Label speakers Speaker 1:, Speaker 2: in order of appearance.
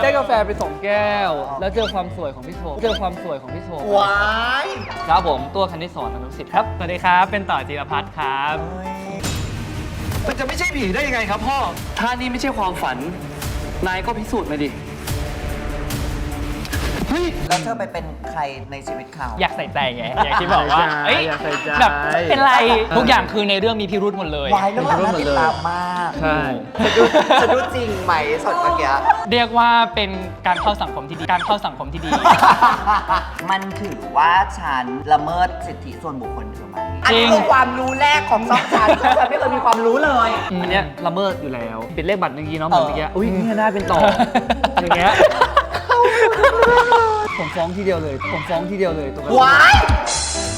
Speaker 1: ได้กาแฟไป2 แก้ว แล้วเจอความสวยของพี่โชว์
Speaker 2: ว้าย
Speaker 1: ครับผมตัวคณิตสอนอนุสิทธิ์ครับสวัสดีครับเป็นต่อจิรพัฒน์ครับ
Speaker 3: มันจะไม่ใช่ผีได้ยังไงครับพ่อ ถ้านี่ไม่ใช่ความฝัน นายก็พิสูจน์มาดิ เฮ้ย
Speaker 2: แล้วเธอไปเป็นใครในชีวิตเขา
Speaker 1: อยากใส่ใจไง อยากที่บอกว่า เอ้ย
Speaker 4: อยากใส่ใจ
Speaker 1: แบบเป็นไร ทุกอย่างคือในเรื่องมีพิรุธหมดเลย
Speaker 2: วายเรื่องราวน่าติดตามมาก
Speaker 4: ใช่
Speaker 2: จะดูจริงไหมสดเมื่อกี้
Speaker 1: เรียกว่าเป็นการเข้าสังคมที่ดี
Speaker 2: มันถือว่าฉันละเมิดสิทธิส่วนบุคคลเธอไหม
Speaker 1: จริง
Speaker 2: อันนี้คือความรู้แรกของช่องฉันช่องฉันไม่เคยมีความรู้เลย
Speaker 1: อันเนี้ยละเมิดอยู่แล้วเป็นเลขบัตรเมื่อกี้เนาะเหมือนเมื่อกี้อุ้ยนี่ได้เป็นต่อ อย่างเงี้ยผมฟ้องทีเดียวเลยตรงนั้น
Speaker 2: ว้าย